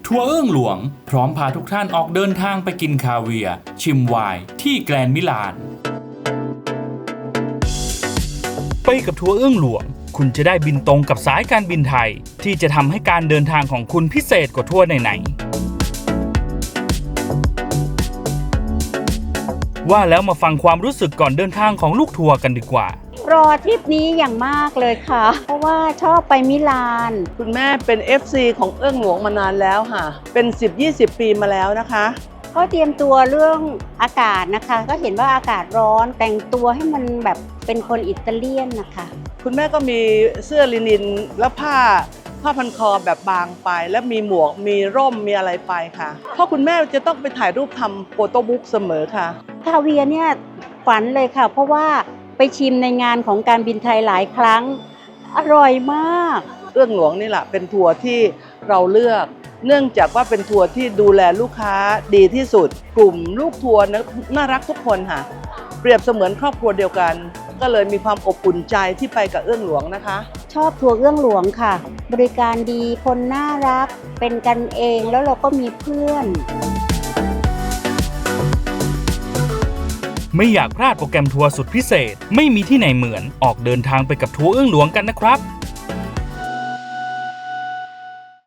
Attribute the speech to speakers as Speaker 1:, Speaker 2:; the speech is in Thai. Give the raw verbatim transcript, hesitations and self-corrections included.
Speaker 1: ทัวร์เอื้องหลวงพร้อมพาทุกท่านออกเดินทางไปกินคาเวียร์ชิมไวน์ที่แกรนด์มิลานไปกับทัวร์เอื้องหลวงคุณจะได้บินตรงกับสายการบินไทยที่จะทำให้การเดินทางของคุณพิเศษกว่าทัวร์ไหนๆว่าแล้วมาฟังความรู้สึกก่อนเดินทางของลูกทัวร์กันดีกว่าร
Speaker 2: อทริปนี้อย่างมากเลยค่ะเพราะว่าชอบไปมิลาน
Speaker 3: คุณแม่เป็น เอฟ ซี ของเอื้องหลวงมานานแล้วค่ะเป็น สิบยี่สิบ ปีมาแล้วนะคะ
Speaker 2: ก็เตรียมตัวเรื่องอากาศนะคะก็เห็นว่าอากาศร้อนแต่งตัวให้มันแบบเป็นคนอิตาเลียนนะคะ
Speaker 3: คุณแม่ก็มีเสื้อลินินและผ้าผ้าพันคอแบบบางไปและมีหมวกมีร่มมีอะไรไปค่ะเพราะคุณแม่จะต้องไปถ่ายรูปทำโฟโต้บุ๊กเสมอค่ะ
Speaker 2: คาเวียร์เนี่ยฝันเลยค่ะเพราะว่าไปชิมในงานของการบินไทยหลายครั้งอร่อยมาก
Speaker 3: เอื้องหลวงนี่แหละเป็นทัวร์ที่เราเลือกเนื่องจากว่าเป็นทัวร์ที่ดูแลลูกค้าดีที่สุดกลุ่มลูกทัวร์น่ารักทุกคนค่ะเปรียบเสมือนครอบครัวเดียวกันก็เลยมีความอบอุ่นใจที่ไปกับเอื้องหลวงนะคะ
Speaker 2: ชอบทัวร์เอื้องหลวงค่ะบริการดีคนน่ารักเป็นกันเองแล้วเราก็มีเพื่อน
Speaker 1: ไม่อยากพลาดโปรแกรมทัวร์สุดพิเศษไม่มีที่ไหนเหมือนออกเดินทางไปกับทัวร์เอื้องหลวงกันนะครับ